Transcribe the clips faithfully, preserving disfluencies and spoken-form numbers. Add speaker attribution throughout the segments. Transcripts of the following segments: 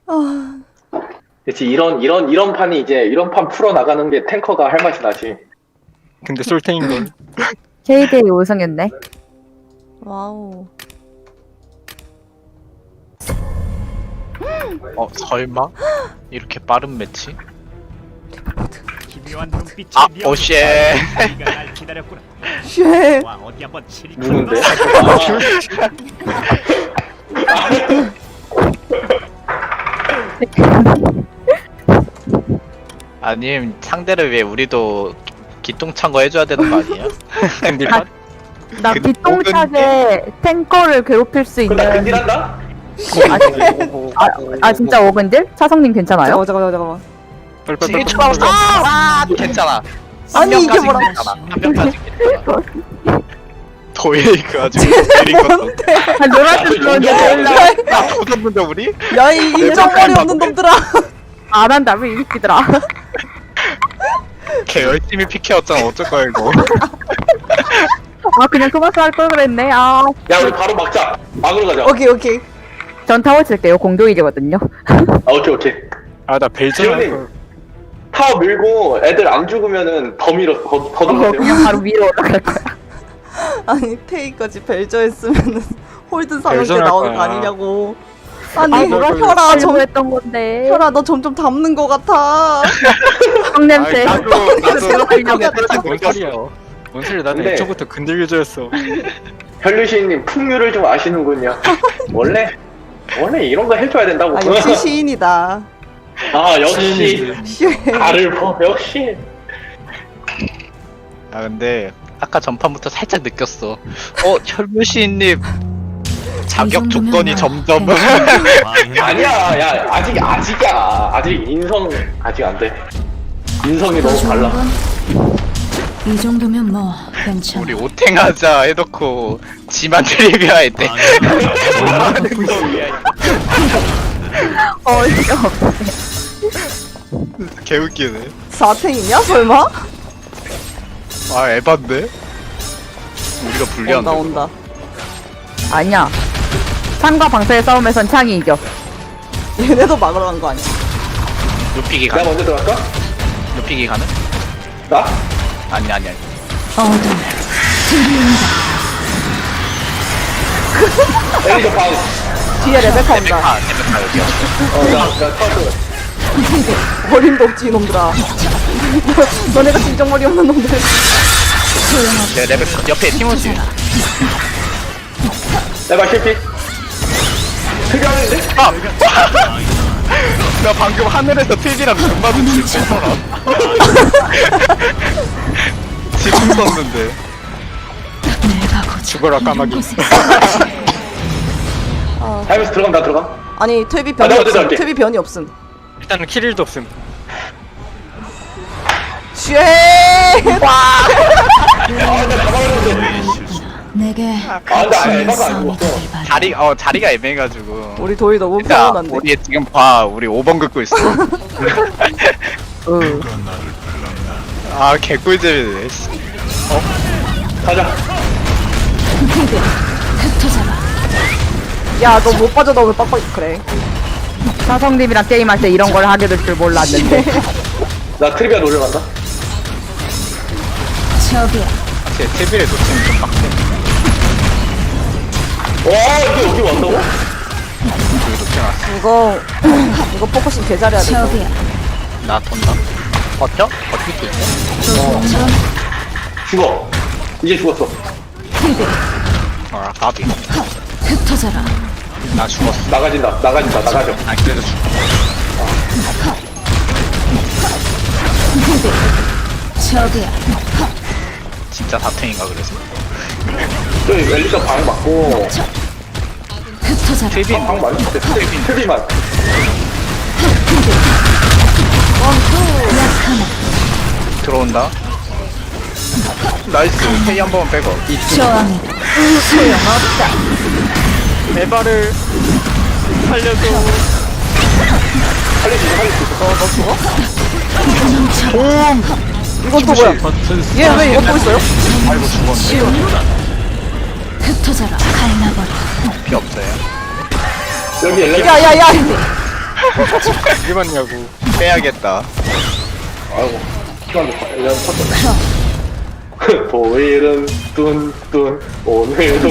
Speaker 1: 아,
Speaker 2: 그렇지. 이런 이런 이런 판이 이제 이런 판 풀어 나가는 게 탱커가 할 맛이 나지.
Speaker 3: 근데 솔탱인걸.
Speaker 4: 케이디에이 우승했네.
Speaker 1: 와우.
Speaker 5: 어 설마? 이렇게 빠른 매치?
Speaker 6: 기묘한 눈빛이
Speaker 5: 아
Speaker 6: 미어.
Speaker 5: 오쉣.
Speaker 6: 네가 날 기다렸구나.
Speaker 1: 쉣.
Speaker 6: 와 어디 한번 치리.
Speaker 2: 누군데?
Speaker 5: 아님 상대를 위해 우리도 기똥찬 거 해줘야 되는 거 아니에요?
Speaker 3: 근데
Speaker 4: 아, 나
Speaker 5: 근데
Speaker 4: 기똥차게 탱커를 괴롭힐 수
Speaker 2: 그럼 나
Speaker 4: 있는.
Speaker 2: 근딜한다?
Speaker 4: 아, 아 진짜 오근딜? 차성님 괜찮아요?
Speaker 1: 잠깐만, 잠깐만, 잠깐만.
Speaker 5: 일 초 남았어. 아 괜찮아.
Speaker 1: 아니, 이게
Speaker 5: 한 명까지
Speaker 1: 뭐라-
Speaker 5: 괜찮아. 한 명까지 괜찮아. 도예이그 아주 내린 것도.
Speaker 4: 아, 노란색 들어오는데 몰라.
Speaker 5: 아 도전문데 우리?
Speaker 1: 야, 이 인정머리 없는 놈들아.
Speaker 4: 안 한다, 왜 이기더라.
Speaker 5: 걔 열심히 피케였잖아. 어쩔 거야 이거.
Speaker 4: 아, 그냥 그만큼 할걸 그랬네. 아,
Speaker 2: 야 우리 바로 막자. 막으러 가자.
Speaker 1: 오케이, 오케이.
Speaker 4: 전 타워 칠게요. 공동이기거든요.
Speaker 2: 아 오케이 오케이.
Speaker 3: 아나 벨전
Speaker 2: 지훈님.
Speaker 3: 할걸.
Speaker 2: 타워 밀고 애들 안 죽으면은 더 밀어 더, 더
Speaker 4: 어,
Speaker 2: 들어가세요.
Speaker 4: 그냥 바로 위로 올라갈 거야.
Speaker 1: 아니, 테이까지 벨저 했으면은 홀드 상황 때
Speaker 3: 벨저를 할
Speaker 1: 나오는 거
Speaker 3: 거야.
Speaker 1: 아니냐고.
Speaker 4: 아,
Speaker 1: 아니,
Speaker 4: 뭐가
Speaker 1: 혈아,
Speaker 4: 점
Speaker 1: 점,
Speaker 4: 했던 건데.
Speaker 1: 혈아, 너 점점 담는 거 같아.
Speaker 4: 성냄새.
Speaker 5: 나도 나도
Speaker 4: 들어가려고
Speaker 5: 살짝
Speaker 3: 뭔 소리야?
Speaker 5: 멈췄어.
Speaker 3: 뭔 소리야? 나는
Speaker 2: 근데-
Speaker 3: 애초부터 근들겨져였어.
Speaker 2: 혈류시인님 풍류를 좀 아시는군요. 원래 원래 이런 거 해줘야 된다고.
Speaker 1: 아, 역시 시인이다.
Speaker 2: 아 역시
Speaker 1: 쉣.
Speaker 2: 나를 보 역시.
Speaker 5: 아 근데 아까 전판부터 살짝 느꼈어. 어 혈무시인님 자격 조건이 점점
Speaker 2: 아니야, 야 아직 아직이야. 아직 인성 아직 안 돼. 인성이 너무 달라.
Speaker 7: 이 정도면 뭐 괜찮아.
Speaker 5: 우리 오탱하자 해놓고 지만 트리비아 할때
Speaker 4: 어이가 없어.
Speaker 5: 개웃기네.
Speaker 1: 사탱이냐, 설마?
Speaker 5: 아 에반데? 우리가
Speaker 1: 온다,
Speaker 5: 불리한데.
Speaker 1: 온다.
Speaker 4: 아니야. 창과 방패의 싸움에선 창이 이겨.
Speaker 1: 얘네도 막으러 간 거 아니야?
Speaker 5: 눕히기
Speaker 2: 내가
Speaker 5: 가능?
Speaker 2: 먼저 들어갈까?
Speaker 5: 눕히기 가능?
Speaker 2: 나?
Speaker 5: 아니 아니 아니.
Speaker 7: 어둠
Speaker 2: 엘리저 방.
Speaker 1: 뒤에 레베카 온다.
Speaker 5: 아 레베카 여기야.
Speaker 2: 어나나 터져.
Speaker 1: 어림도 없지, 이놈들아. 너네가 진정머리 없는 놈들.
Speaker 5: 네 레베카 옆에 티모시.
Speaker 2: 내가 실패. 특이하는데?
Speaker 5: 아! 나 방금 하늘에서 트리비랑 눈 마주칠 뻔했더라. 지금 썼는데.
Speaker 7: 내가 고쳐
Speaker 3: 죽어라 까마귀.
Speaker 2: 하면서 들어가면 나 들어가.
Speaker 1: 아니, 퇴비
Speaker 2: 아,
Speaker 1: 변이
Speaker 2: 내가
Speaker 1: 없음.
Speaker 2: 어디
Speaker 1: 퇴비 변이 없음.
Speaker 3: 일단은 킬일도 없음.
Speaker 1: 쉣!
Speaker 7: 내게
Speaker 2: 아 근데 아니 에바가
Speaker 7: 싸움이
Speaker 2: 아니고.
Speaker 7: 되길 바래.
Speaker 5: 자리 어 자리가 애매해가지고.
Speaker 1: 우리 도희 너무
Speaker 5: 야,
Speaker 1: 평온한데.
Speaker 5: 우리 지금 봐, 우리 오 번 긋고 있어.
Speaker 4: 으.
Speaker 5: 아, 개꿀잼이네. 씨.
Speaker 2: 가자.
Speaker 7: 흩어져라.
Speaker 1: 야, 너 못 빠져, 너 왜 빡빡, 그래.
Speaker 4: 차성님이랑 게임할 때 이런 걸 하게 될 줄 몰랐는데.
Speaker 2: 나 트리비아 노려간다.
Speaker 7: 저기야.
Speaker 5: 제 테이블에 놓치면 좀 빡세.
Speaker 2: 와 이게 여기 왔다고?
Speaker 5: 여기 놓쳐놨어.
Speaker 1: 이거, 이거 포커싱 개잘해야 돼. 이거.
Speaker 7: 저기야.
Speaker 5: 나 돈다. 버텨? 버틸 수 있어?
Speaker 2: 죽어. 이제 죽었어.
Speaker 5: 아, 까비.
Speaker 7: 흩어져라.
Speaker 5: 나 죽었어.
Speaker 2: 나가진다. 나가진다. 나가죠.
Speaker 5: 아, 그래도 죽어.
Speaker 7: 저기야.
Speaker 5: 진짜 사탱인가 그래서.
Speaker 2: 저기 엘리저 방 맞고.
Speaker 7: 흩어져라.
Speaker 5: 트리빈,
Speaker 2: 방 맞을 때 트리 트리만.
Speaker 5: 들어온다. 나이스. 페이 한 번 빼고.
Speaker 7: 저항이
Speaker 3: 에바를 살려줘.
Speaker 2: 살릴 수 있어. 살릴 수 있어.
Speaker 1: 이건 또 뭐야? 얘 왜 이거 또 있어요?
Speaker 5: 아이고, 죽었네.
Speaker 7: 흩어져라. 갈라버려.
Speaker 5: 피 없어요.
Speaker 2: 여기 엘리저.
Speaker 1: 야, 야, 야!
Speaker 3: 이게 맞냐고.
Speaker 5: 빼야겠다.
Speaker 2: 아이고 시간 좀 그냥 컸다. 보일은 뚠뚠 오늘도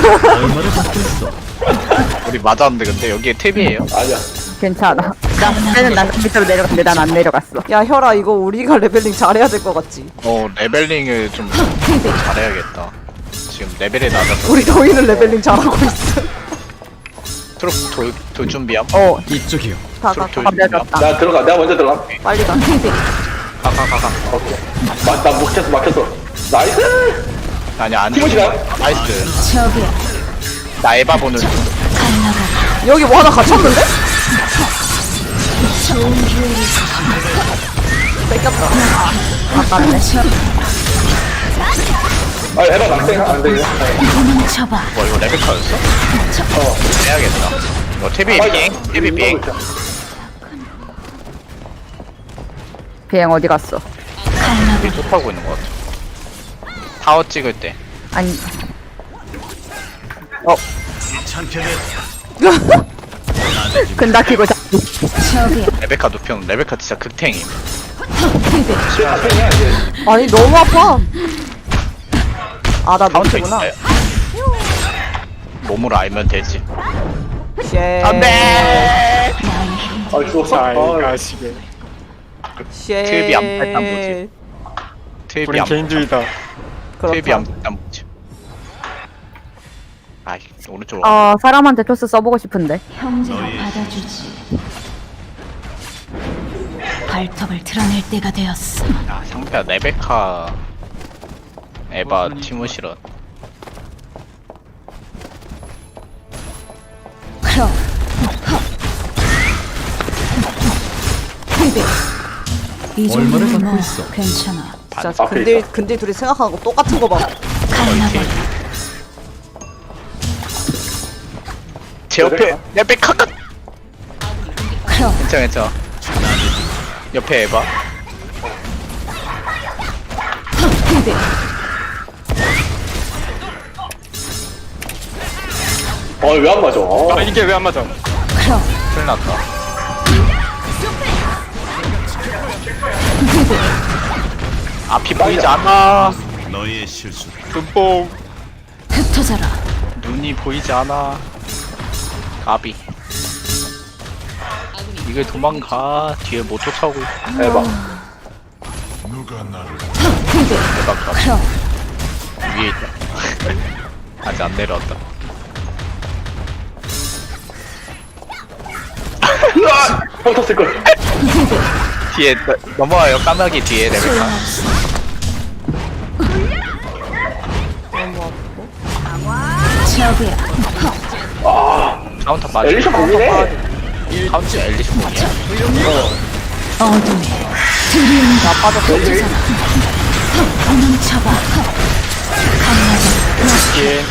Speaker 5: 우리 맞았는데 근데 여기에 탭이에요.
Speaker 2: 아니야.
Speaker 4: 괜찮아. 나 쟤는 난 밑으로 내려갔는데 난 안 내려갔어.
Speaker 1: 야 혈아 이거 우리가 레벨링 잘해야 될 것 같지?
Speaker 5: 어 레벨링을 좀 잘해야겠다. 지금 레벨이 낮아서
Speaker 1: 우리 더위는 레벨링 잘하고 있어.
Speaker 5: 트롯 돌, 돌 준비함.
Speaker 4: 어,
Speaker 1: 다가
Speaker 5: 트롯 돌
Speaker 1: 가.
Speaker 5: 준비함.
Speaker 4: 내렸다.
Speaker 2: 나 들어가. 내가 먼저 들어가.
Speaker 1: 빨리 가.
Speaker 5: 가가가가.
Speaker 2: 오케이. 막, 나 막혔어 막혔어. 나이스.
Speaker 5: 아니 안.
Speaker 2: 티모시가?
Speaker 5: 나이스.
Speaker 7: 저기야.
Speaker 5: 나 에바 보는 중.
Speaker 7: 갈라가.
Speaker 1: 여기 뭐 하나 갇혔는데?
Speaker 7: 좋은 기회를
Speaker 1: 뺏겼다.
Speaker 4: 아깝네.
Speaker 2: 아 에바 낙생 안 되냐?
Speaker 7: 도망쳐봐.
Speaker 5: 뭐 이거 레베카였어? 어. 해야겠다. 뭐 탭이 빙. 탭이 빙.
Speaker 4: 비행 어디 갔어?
Speaker 5: 탑이 톱하고 있는 것 같아. 타워 찍을 때.
Speaker 4: 아니, 근다 키고 자.
Speaker 7: 저기야.
Speaker 5: 레베카 노평. 레베카 진짜 극탱임.
Speaker 2: 낙생이야 이제.
Speaker 1: 아니 너무 아파. 아나
Speaker 5: 카운터
Speaker 1: 노트구나.
Speaker 5: 있어요. 몸으로 알면 되지.
Speaker 1: 쉣.
Speaker 5: 안돼.
Speaker 2: 아 죽었어.
Speaker 3: 잘
Speaker 2: 아,
Speaker 3: 가시게.
Speaker 1: 쉣.
Speaker 5: 트랩이 안 팔단 뭐지? 탭이
Speaker 3: 우린
Speaker 5: 안.
Speaker 3: 개인주의다.
Speaker 5: 탭이
Speaker 1: 그렇다.
Speaker 5: 안 팔단 뭐지? 아이 오른쪽으로.
Speaker 4: 어, 사람한테 토스 써보고 싶은데.
Speaker 7: 형제가 받아주지. 발톱을 드러낼 때가 되었어.
Speaker 5: 아 상대가 레베카. 에바 티모시런.
Speaker 7: 그럼. 이 정도면 뭐 괜찮아.
Speaker 1: 진짜
Speaker 2: 앞에
Speaker 1: 근데
Speaker 2: 있다.
Speaker 1: 근데 둘이 생각하는 거 똑같은 거 봐.
Speaker 7: 갈라버려.
Speaker 5: 제 옆에 레베카가.
Speaker 7: 그럼.
Speaker 5: 괜찮아 괜찮아. 옆에 에바.
Speaker 2: 어왜 안 맞아? 어.
Speaker 3: 아 이게 왜 안 맞아?
Speaker 7: 그럼.
Speaker 5: 큰일 났다. 앞이 보이지 않아.
Speaker 3: 눈뽕.
Speaker 7: 흩어져라.
Speaker 5: 눈이 보이지 않아. 가비. 이게 도망가. 뒤에 못 쫓아오고 있어.
Speaker 2: 에바.
Speaker 5: 에바 가비.
Speaker 7: 그럼.
Speaker 5: 위에 있다. 아직 안 내려왔다.
Speaker 2: 형 탔을 걸.
Speaker 5: 뒤에 너- 넘어와요. 까마귀 뒤에 레베카.
Speaker 7: 소용없어. 저기야.
Speaker 5: 카운터 맞아.
Speaker 2: 엘리셔 공이네.
Speaker 5: 카운터 엘리셔 공이야.
Speaker 7: 어둠에 드리움 다 빠졌어. 도망쳐봐. 갈라버려.
Speaker 3: 뒤에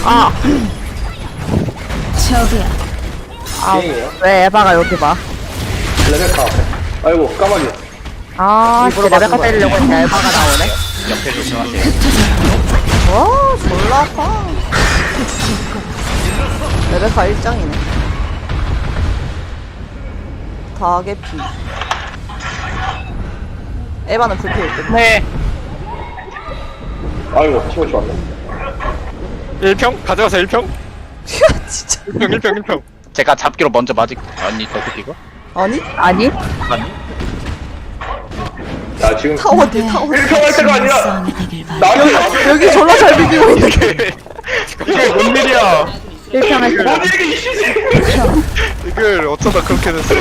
Speaker 7: 저기야.
Speaker 2: 빙이에요.
Speaker 4: 왜 에바가 여기 봐?
Speaker 2: 레베카 앞에. 아이고 까마귀.
Speaker 4: 아,
Speaker 1: 입으로
Speaker 4: 진짜 레베카
Speaker 1: 맞은 거야.
Speaker 4: 때리려고 했는데 에바가 나오네?
Speaker 5: 옆에 조심하세요.
Speaker 1: 와 졸라 아파. 레베카 일장이네. 다개피. 에바는 불피일 듯.
Speaker 5: 네.
Speaker 2: 아이고 티모시 왔네.
Speaker 3: 일 평 가져가서 일 평.
Speaker 1: 진짜.
Speaker 3: 일 평 일 평 일 평.
Speaker 5: 제가 잡기로 먼저 맞을. 아니 저거 이거?
Speaker 1: 아니
Speaker 4: 아니?
Speaker 5: 아니.
Speaker 2: 야 지금
Speaker 1: 타워 뒤 타워.
Speaker 2: 일 평 할 때가 아니라
Speaker 7: 싸움이 되길 바래.
Speaker 2: 나한테
Speaker 1: 여기 졸라 잘 비비고 있는.
Speaker 5: 이게 뭔 일이야?
Speaker 4: 일 평 할 때.
Speaker 2: 뭔 일이 이시지?
Speaker 3: 이걸 어쩌다 그렇게 됐어.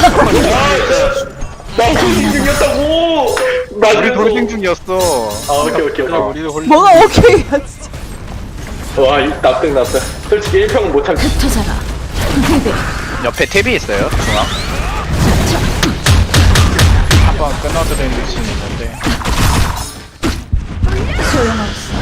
Speaker 2: 나 돌싱 중이었다고. 나
Speaker 5: 우리
Speaker 2: 그래도.
Speaker 5: 돌싱 중이었어.
Speaker 2: 아 오케이 오케이
Speaker 3: 그래
Speaker 2: 오케이.
Speaker 3: 우리도 홀리.
Speaker 1: 뭐가 오케이야 진짜.
Speaker 2: 와, 이 납득 납득. 솔직히 일 평은 못 참지.
Speaker 7: 흩어져라.
Speaker 5: 옆에 탭이 있어요. 중앙. 한번 끊어드리는 미신이 있는데.
Speaker 7: 소용없어.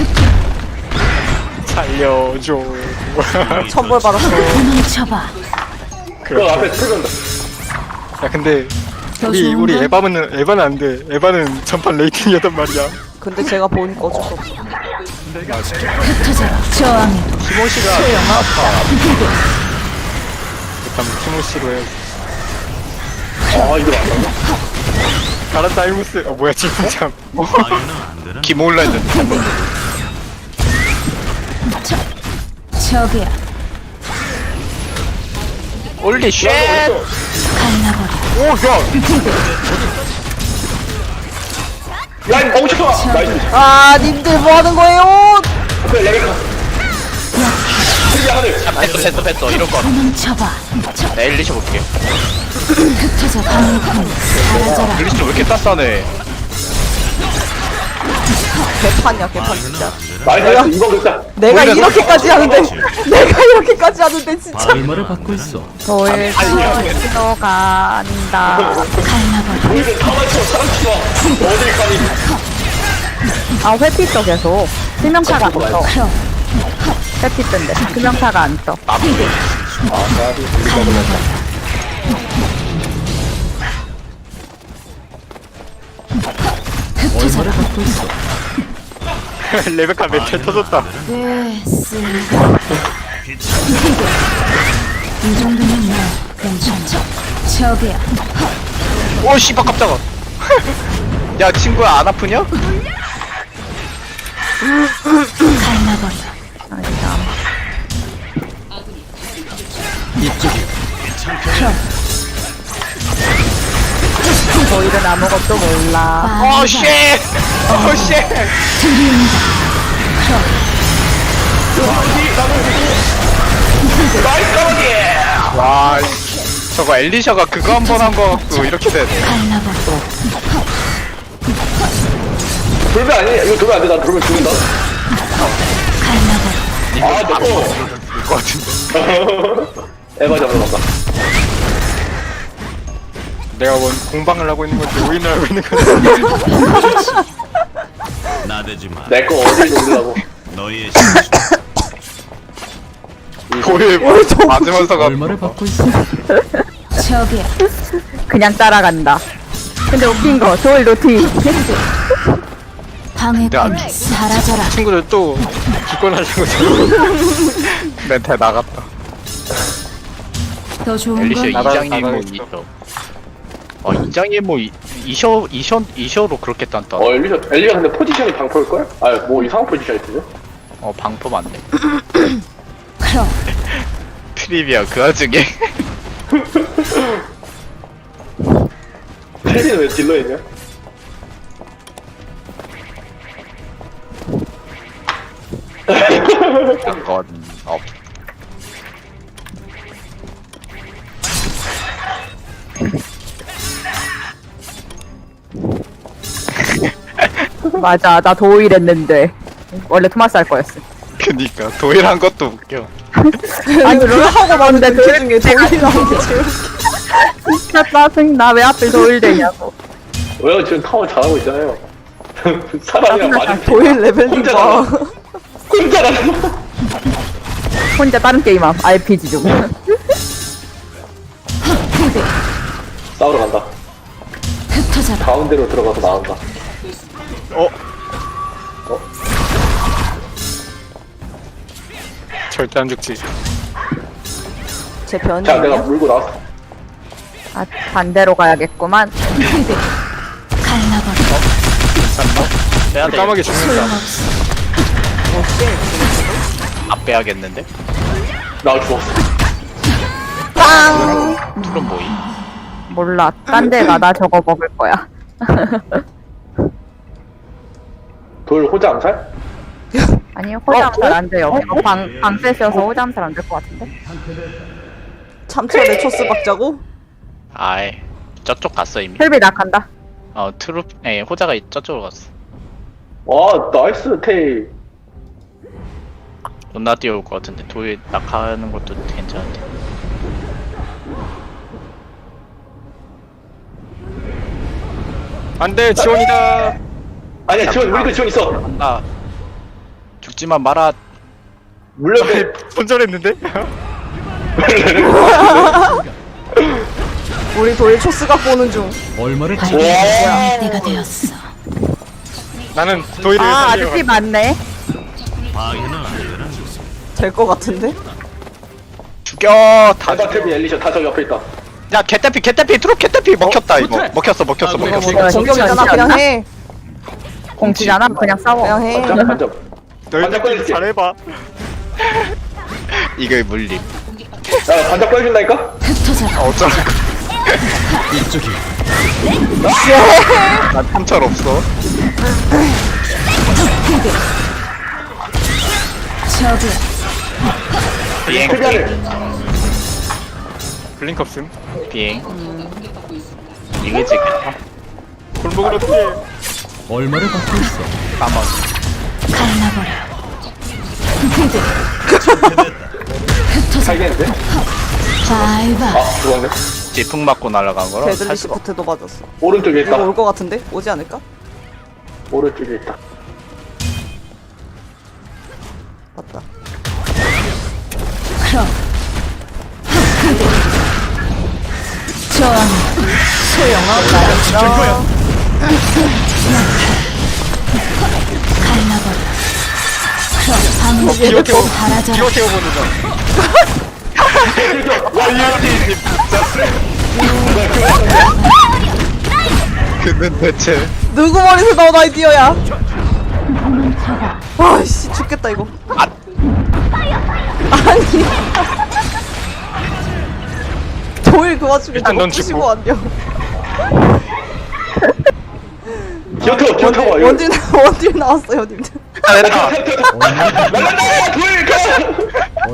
Speaker 3: 살려줘.
Speaker 1: 천벌 받았어.
Speaker 7: 도망쳐봐.
Speaker 2: 그 앞에 틀건다.
Speaker 3: 야 근데
Speaker 7: 더
Speaker 3: 우리
Speaker 7: 좋은
Speaker 3: 우리
Speaker 7: 건?
Speaker 3: 에바는 에바는 안 돼. 에바는 전판 레이팅이었단 말이야.
Speaker 1: 근데 제가 보니까 어쩔 수 없어.
Speaker 7: 흩어져라. 저항해도
Speaker 5: 티모시가
Speaker 3: 일단 티모시로 해.
Speaker 2: 아 이거 맞나?
Speaker 3: 가란 다이무스. 어 뭐야 지금 참.
Speaker 5: 기몰라 했는데 잘못.
Speaker 7: 저기야.
Speaker 5: 올리 쉣.
Speaker 7: 갈라버려.
Speaker 3: 오 야.
Speaker 2: 야 이거 너무 좋아. 나이스.
Speaker 1: 아 님들 뭐 하는 거예요?
Speaker 2: 오케이 레벨카. 하늘.
Speaker 5: 뺐어 뺐어 뺐어 이럴 거.
Speaker 7: 도망쳐봐.
Speaker 5: 나 엘리셔 볼게요.
Speaker 7: 흩어져 방해꾼 사라져라.
Speaker 5: 엘리셔 왜 이렇게 따싸네.
Speaker 1: 개판이야 개판 진짜.
Speaker 2: 나이스 나이스 이번 됐다.
Speaker 1: 내가
Speaker 5: 원래
Speaker 1: 이렇게까지 하는데 내가 이렇게까지 하는데 진짜.
Speaker 6: 얼마를 받고 있어?
Speaker 4: 돌 신호 간다.
Speaker 7: 갈라버려.
Speaker 2: 우리는 사망치고 사망치고 어딜 가니?
Speaker 4: 아 회피 써 계속. 수명차가 안 떠.
Speaker 7: 크롬.
Speaker 4: 회피 뜬데 수명차가 안 떠.
Speaker 7: 흩어져라.
Speaker 3: 레베카 멘트 터졌다.
Speaker 7: 됐어. 이 정도면 뭐 괜찮죠. 저기야.
Speaker 5: 오 씨발 깜짝아. 야 친구야 안 아프냐?
Speaker 7: 갈라버려.
Speaker 4: 아니다.
Speaker 7: 크롬.
Speaker 4: 저희는 아무것도 몰라.
Speaker 5: 오 쉣. 오 쉣.
Speaker 7: 들이운다.
Speaker 2: 나이스 까마귀.
Speaker 5: 와 씨. 저거 엘리셔가 그거 한 번 한 거 같고 이렇게 되네.
Speaker 7: 갈라버려.
Speaker 2: 돌면 아니야. 이거 돌면 안 돼. 나 돌면 죽는다.
Speaker 7: 갈라버려.
Speaker 2: 아 내꺼.
Speaker 5: 될것 같은데.
Speaker 2: 에바 잡으러 간다.
Speaker 3: 내가 원 공방을 하고 있는 건지 오인을 하고 있는 건지.
Speaker 6: 나대지 마.
Speaker 2: 내꺼 어딜 돌리려고.
Speaker 6: 너의 실수.
Speaker 5: 도일 맞으면서가
Speaker 6: 얼마를 받고 있어?
Speaker 7: 저기야.
Speaker 4: 그냥 따라간다. 근데 웃긴 거 돌 노티.
Speaker 7: 방해꾼
Speaker 5: 야,
Speaker 7: 사라져라.
Speaker 3: 친구들 또 기권하려고 지금.
Speaker 5: 멘탈 나갔다.
Speaker 7: 더 좋은
Speaker 5: 엘리셔
Speaker 7: 건
Speaker 3: 나가-
Speaker 5: 이장이 뭐
Speaker 3: 나가겠어.
Speaker 5: 이셔. 어 이장이 뭐 이- 이셔 이셔 이셔로 그렇게 딴다.
Speaker 2: 어 엘리셔 엘리가 근데 포지션이 방포일 걸? 아뭐 이상한 포지션 있던데?
Speaker 5: 어 방포 맞네.
Speaker 7: 크롬.
Speaker 5: 트리비아 그 와중에.
Speaker 2: 혜진은 왜 딜러 있냐?
Speaker 5: 약간 어
Speaker 4: 맞아, 나 도일 했는데 원래 토마스 할 거였어.
Speaker 5: 그니까 도일한 것도 웃겨.
Speaker 4: 아니
Speaker 1: 그걸 하고
Speaker 4: 봤는데
Speaker 1: 그 중에 돌이 나온 게 제일.
Speaker 4: 진짜 짜증 나. 왜 하필 도일 되냐고.
Speaker 2: 왜요? 지금 타워 잘하고 있잖아요. 사람이랑 맞은
Speaker 1: 도일 레벨링
Speaker 2: 혼자
Speaker 1: 봐.
Speaker 2: 나가. 혼자 나가.
Speaker 4: 혼자 다른 게임함. 알피지 중.
Speaker 2: 싸우러 간다.
Speaker 7: 흩어져라.
Speaker 2: 가운데로 들어가서 나온다.
Speaker 5: 어
Speaker 3: 절대 안 죽지.
Speaker 1: 제 변이
Speaker 2: 자 내가
Speaker 1: 아니야?
Speaker 2: 물고 나왔어.
Speaker 4: 아 반대로 가야겠구만.
Speaker 7: 갈라버려.
Speaker 5: 빼야 돼.
Speaker 3: 까마귀 죽는다.
Speaker 7: 소용없어.
Speaker 5: 안 빼야겠는데?
Speaker 2: 나 죽었어.
Speaker 1: 빵!
Speaker 5: 투론 뭐이?
Speaker 4: 몰라. 딴 데 가. 나 저거 먹을 거야.
Speaker 2: 돌 호자 암살?
Speaker 4: 아니 호잠살 안 돼요. 방 방패셔서 호잠살 안 될 것 같은데.
Speaker 1: 참치에 초스 박자고?
Speaker 5: 아이 저쪽 갔어 이미.
Speaker 4: 혈비 낙한다.
Speaker 5: 어 트루 에 호자가 저쪽으로 갔어.
Speaker 2: 와 나이스 테이.
Speaker 5: 존나 뛰어올 것 같은데 도일 낙하하는 것도 괜찮은데.
Speaker 3: 안돼 지원이다.
Speaker 2: 아니야 지원 우리도 지원 있어.
Speaker 5: 아 죽지만 마라.
Speaker 2: 물려대.
Speaker 3: 손절했는데?
Speaker 1: 우리 도일 초스가 보는 중.
Speaker 6: 얼마를
Speaker 7: 발견 때가 되었어.
Speaker 3: 나는 도일을
Speaker 4: 아
Speaker 3: 살려.
Speaker 4: 아저씨 맞네.
Speaker 6: 방해는 안 되나?
Speaker 1: 될 것 같은데?
Speaker 5: 죽여 다
Speaker 2: 다다
Speaker 5: 죽여.
Speaker 2: 탭이 엘리셔 다 저기 옆에 있다.
Speaker 5: 야 개떼피 개떼피 트롯 개떼피 먹혔다 이거
Speaker 2: 좋대.
Speaker 5: 먹혔어 먹혔어
Speaker 2: 아,
Speaker 5: 먹혔어
Speaker 2: 그러니까
Speaker 1: 공격이잖아. 그냥 해.
Speaker 4: 공치잖아. 그냥 싸워.
Speaker 1: 그냥 해.
Speaker 2: 반점 반점.
Speaker 3: 너희들
Speaker 2: 꺼야지.
Speaker 3: 잘해봐.
Speaker 5: 이거 물림
Speaker 2: 야 반점 꺼준다니까?
Speaker 7: 흩어져라.
Speaker 5: 어쩌라고
Speaker 6: 이쪽이
Speaker 5: 난 탐철 없어
Speaker 7: 저기야.
Speaker 5: 비행
Speaker 2: 크리아를.
Speaker 3: 블링크 없음.
Speaker 5: 비행 이게 지금
Speaker 3: 골목으로 피해.
Speaker 6: 얼마를 받고 있어?
Speaker 5: 까먹
Speaker 7: 갈라버려.
Speaker 2: 살겠는데?
Speaker 7: 바이바이.
Speaker 2: 아 죽었네.
Speaker 5: 지풍 맞고 날아간 거라
Speaker 1: 데들리
Speaker 5: 살 수가
Speaker 1: 시프트도 맞았어.
Speaker 2: 오른쪽에 있다.
Speaker 1: 이거 올 것 같은데? 오지 않을까?
Speaker 2: 오른쪽에 있다.
Speaker 1: 맞다.
Speaker 7: 그럼. 저항.
Speaker 1: 소영아.
Speaker 7: 갈라버려. 그럼 방금
Speaker 3: 기어 태워.
Speaker 7: 사라져라.
Speaker 3: 기어 태워보는 거.
Speaker 5: 그는 대체
Speaker 1: 누구 머리에서 나온 아이디어야? 아씨 죽겠다 이거.
Speaker 5: 아.
Speaker 1: 아니. 도일 그 와중에
Speaker 3: 일단
Speaker 1: 저거
Speaker 3: 넌
Speaker 1: 부시고
Speaker 3: 죽고.
Speaker 1: 왔냐?
Speaker 2: 기어터 기어터 봐. 이거.
Speaker 1: 원딜 원딜 나왔어요, 님들.
Speaker 5: 아 됐다
Speaker 2: 날라가 돌 가.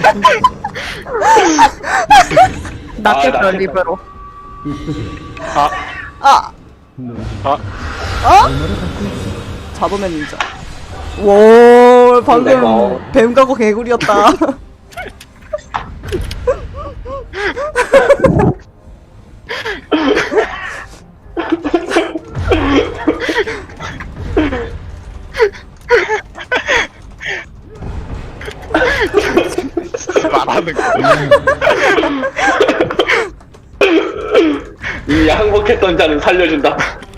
Speaker 4: 낫겠어
Speaker 2: 낫겠다.
Speaker 4: 립으로.
Speaker 3: 아,
Speaker 1: 아,
Speaker 3: 아,
Speaker 1: 어? 자도맨 닌자. 와, 방금
Speaker 2: 어.
Speaker 1: 뱀 가고 개구리였다.
Speaker 5: 말하는 거
Speaker 2: 이 항복했던 자는 살려준다.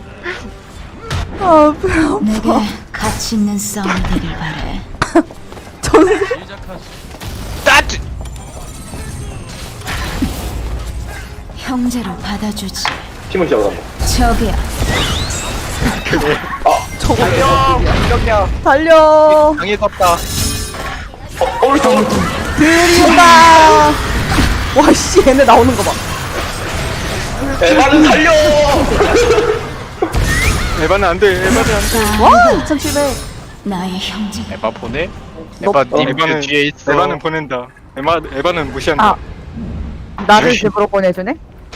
Speaker 1: 아, 배 아파.
Speaker 7: 내게 가치 있는 싸움이 되길 바래.
Speaker 1: 저는
Speaker 5: 따지
Speaker 7: 형제로 받아주지.
Speaker 2: 팀을 잡아간다.
Speaker 7: 저기야.
Speaker 1: 저거
Speaker 5: 달려
Speaker 1: 달려.
Speaker 5: 강이 덥다
Speaker 2: 어, 오른쪽.
Speaker 1: 들이온다. 와, 씨, 얘네 나오는 거 봐.
Speaker 2: 에바는 살려.
Speaker 3: 에바는 안 돼. 에바는 안 돼.
Speaker 1: 와, 이천칠백.
Speaker 7: 나의 형제.
Speaker 5: 에바 보내?
Speaker 1: 너-
Speaker 5: 에바 님그
Speaker 3: 에바는
Speaker 5: 뒤에 있어
Speaker 3: 에바는 보낸다. 에바 에바는 무시한다.
Speaker 4: 아. 나를 집으로 보내주네?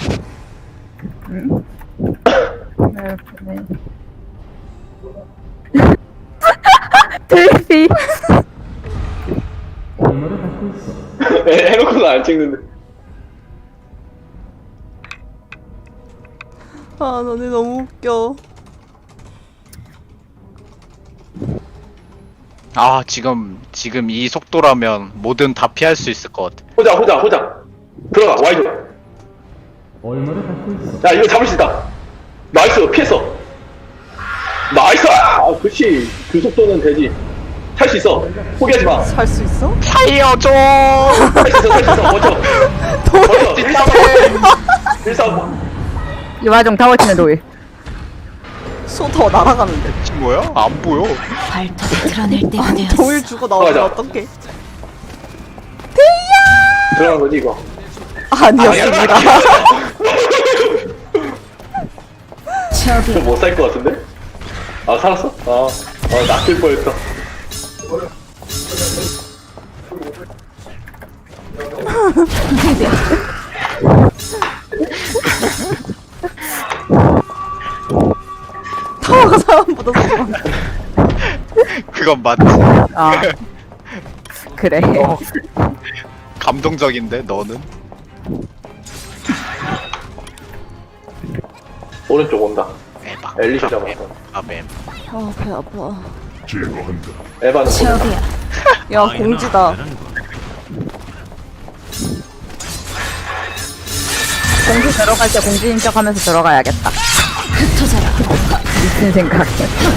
Speaker 4: 응? 나를 보내. 들피.
Speaker 2: 에, 해놓고는 안 찍는데.
Speaker 1: 아, 너네 너무 웃겨.
Speaker 5: 아 지금 지금 이 속도라면 뭐든 다 피할 수 있을 것 같아
Speaker 2: 호자 호자 호자. 들어가 와이드. 야 이거 잡을 수 있다. 나이스 피했어. 나이스. 아 그렇지. 그 속도는 되지. 할 수 있어. 포기하지 마.
Speaker 1: 살 수 있어?
Speaker 5: 살려줘
Speaker 2: 할 수 있어. 할 수 있어. 버텨. 버텨. 일삼오. 일삼오.
Speaker 4: 이 와중 타워 치는 도일.
Speaker 1: 소더 날아가는데.
Speaker 5: 지금 뭐야? 안 보여
Speaker 7: 발톱을 드러낼 때가 되었어.
Speaker 1: 도일 주고 나오면
Speaker 2: 맞아.
Speaker 1: 어떡해?
Speaker 2: 들어간 거지 이거.
Speaker 1: 아니었습니다.
Speaker 7: 저기야.
Speaker 2: 못 살 것 같은데? 아 살았어? 아, 어 낚일 뻔했어.
Speaker 1: 타워가 사람보다 소중한.
Speaker 5: 그건 맞지
Speaker 4: 아. 그래.
Speaker 5: 감동적인데 너는?
Speaker 2: 오른쪽 온다.
Speaker 5: 에바
Speaker 2: 엘리시 잡았어.
Speaker 5: 아뱀
Speaker 1: 아, 배 아파.
Speaker 2: 에바는
Speaker 7: 저기야.
Speaker 1: 야, 공지다.
Speaker 4: 공지 들어갈 때 공지인 척 하면서 들어가야겠다.
Speaker 7: 흩어져라.
Speaker 4: 미친 생각.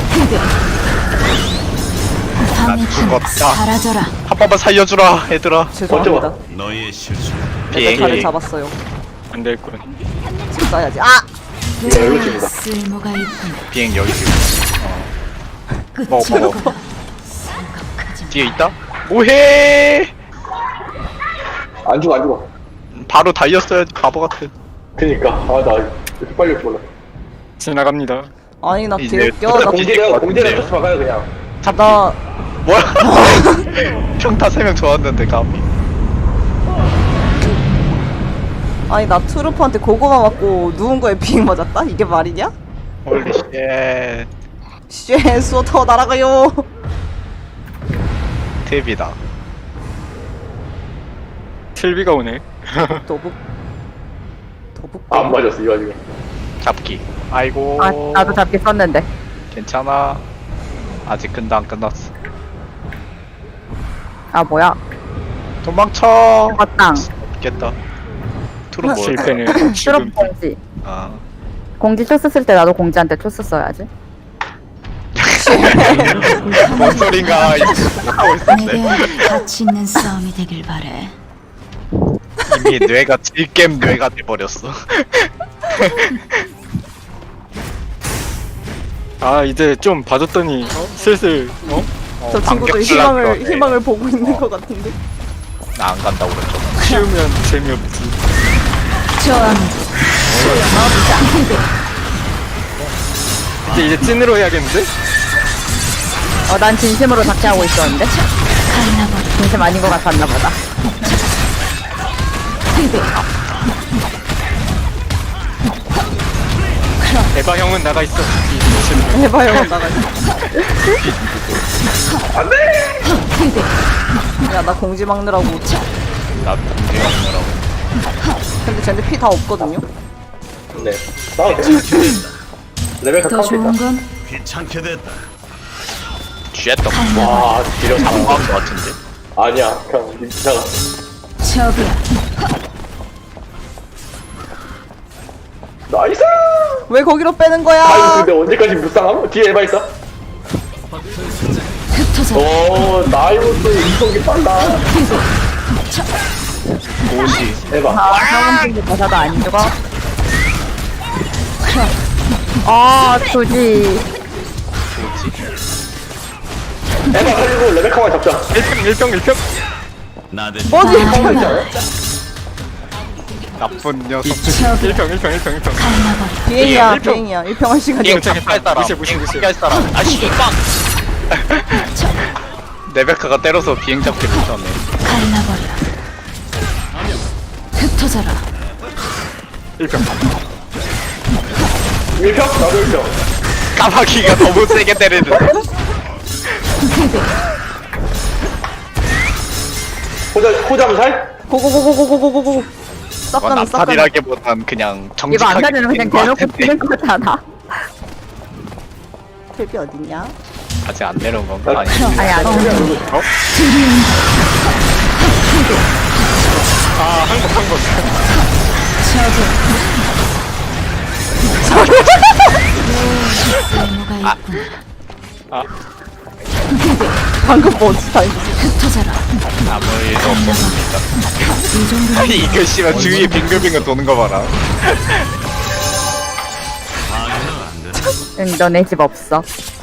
Speaker 7: 방해꾼
Speaker 5: 죽었다.
Speaker 7: 사라져라.
Speaker 5: 한 번만 살려주라 얘들아
Speaker 1: 죄송합니다.
Speaker 2: 어쩌고.
Speaker 6: 너의 실수.
Speaker 1: 내가 자를
Speaker 5: 비행
Speaker 1: 잡았어요.
Speaker 3: 안 될군.
Speaker 1: 지금 써야지. 아!
Speaker 2: 이거 열로 칩니다.
Speaker 7: 쓸모가 있군.
Speaker 5: 비행 여기 있어.
Speaker 7: 끝이
Speaker 5: 먹어, 먹어.
Speaker 7: 없다. 생각하지 마.
Speaker 5: 뒤에 있다? 뭐해?
Speaker 2: 안 죽어 안 죽어.
Speaker 5: 바로 달렸어야지 바보 같은.
Speaker 2: 그니까 아 나 이렇게 빨리 올줄 몰라.
Speaker 3: 지나갑니다.
Speaker 1: 아니 나
Speaker 5: 이제
Speaker 1: 개웃겨. 나,
Speaker 5: 또-
Speaker 2: 공지대가 공지대 쫓아 막아요 그냥.
Speaker 1: 나
Speaker 5: 뭐야? 평타 세 명 좋았는데 감히.
Speaker 1: 아니 나 트루프한테 고구마 맞고 누운 거에 비행 맞았다? 이게 말이냐?
Speaker 5: 홀리 쉣.
Speaker 1: 쉣 수어터 날아가요.
Speaker 5: 탭이다.
Speaker 3: 틸비가 오네.
Speaker 1: 도북 도북
Speaker 2: 안 맞았어 이 와중에.
Speaker 5: 잡기. 아이고.
Speaker 4: 아 나도 잡기 썼는데.
Speaker 5: 괜찮아. 아직 근데 안 끝났어.
Speaker 4: 아 뭐야?
Speaker 5: 도망쳐.
Speaker 4: 맞당.
Speaker 5: 없겠다. 투로 뭐?
Speaker 3: 실패는
Speaker 4: 트럭
Speaker 3: 지금
Speaker 4: 공지.
Speaker 5: 아.
Speaker 4: 공지 초스 쓸 때 나도 공지한테 초스 써야지.
Speaker 5: 뭔 소린가 하고 있었네.
Speaker 7: 내게 가치 있는 싸움이 되길 바래.
Speaker 5: 이미 뇌가 질겜 뇌가 돼버렸어.
Speaker 3: 아 이제 좀 봐줬더니 어? 슬슬 어?
Speaker 1: 저 친구도
Speaker 5: 반격
Speaker 1: 희망을
Speaker 5: 플라스터네.
Speaker 1: 희망을 보고 있는 것 같은데.
Speaker 5: 나 안 간다 오른쪽.
Speaker 3: 키우면 재미없지.
Speaker 7: 저항.
Speaker 3: 이제 이제 찐으로 해야겠는데?
Speaker 4: 어 난 진심으로 작게하고 있었는데.
Speaker 7: 갈라버려.
Speaker 4: 진심 아닌 것 같았나 보다.
Speaker 3: 에바 형은 나가 있어.
Speaker 1: 해봐요 나가. 야나 공지 막느라고.
Speaker 5: 나 공개 막느라고.
Speaker 1: 근데 쟤네 피 다 없거든요.
Speaker 2: 네. 싸워도 돼. 레벨카
Speaker 7: 더
Speaker 2: 카운트
Speaker 7: 좋은
Speaker 2: 있다.
Speaker 7: 건
Speaker 5: 쥐했던
Speaker 2: 와 지려
Speaker 5: 잡은 거 같은데.
Speaker 2: 아니야 그냥 민차가.
Speaker 7: 적이야.
Speaker 2: 나이스.
Speaker 1: 왜 거기로 빼는
Speaker 2: 아이고
Speaker 1: 거야?
Speaker 2: 근데 언제까지 무쌍함? 뒤에 에바 있어.
Speaker 7: 흩어져라.
Speaker 2: 오 나이부터 이속이 빨라.
Speaker 5: 오시.
Speaker 2: 에바.
Speaker 4: 아 형은 친구 가사도 안 죽어. 아 조지.
Speaker 2: 에바 살리고 레베카만 잡자.
Speaker 3: 일평 일평 일평.
Speaker 1: 뭐지?
Speaker 2: 카운트 있지 않아?
Speaker 5: 나쁜 녀석.
Speaker 7: 적이야.
Speaker 3: 일평 일평 일평 일평.
Speaker 7: 갈라버려.
Speaker 1: 비행이야
Speaker 3: 일평.
Speaker 1: 비행이야. 일평할 시간이
Speaker 5: 비행
Speaker 1: 없어.
Speaker 5: 잡할 사람.
Speaker 3: 무시해, 무시해,
Speaker 5: 비행
Speaker 3: 무시해.
Speaker 5: 포기할 사람. 아씨 빵. 레베카가 때려서 비행 잡기 못하네.
Speaker 7: 갈라버려. 흩어져라.
Speaker 3: 일평.
Speaker 2: 일평? 나도 일평.
Speaker 5: 까마귀가 너무 세게 때리는데.
Speaker 2: 호자 호자면 살?
Speaker 1: 고고고고고고고고. 싹
Speaker 5: 이건
Speaker 1: 가는 싹 가는.
Speaker 5: 암살이라기보단 그냥
Speaker 4: 이거
Speaker 5: 정직하게
Speaker 4: 안 가지는 그냥
Speaker 5: 때린 것
Speaker 4: 대놓고
Speaker 5: 같은데.
Speaker 4: 뛰는 거잖아.
Speaker 1: 탭이 어딨냐?
Speaker 5: 아직 안 내려온 건가? 아니.
Speaker 4: 아니 아니.
Speaker 3: 아 한국 한국.
Speaker 7: 쓸모가 있군.
Speaker 1: 방금 뭐지? 다
Speaker 7: 흩어져라.
Speaker 5: 아무 일도 없었습니다.
Speaker 7: 이 정도면
Speaker 5: 아니 이거 씨발 주위에 빙글빙글 도는 거 봐라.
Speaker 4: 응 너네 집 없어.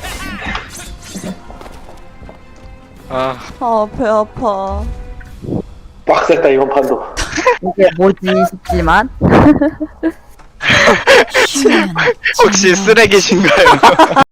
Speaker 3: 아
Speaker 1: 아 배 아파.
Speaker 2: 빡셌다 이번 판도.
Speaker 4: 이게 뭐지 싶지만.
Speaker 7: 쉬면
Speaker 5: 혹시 쓰레기신가요?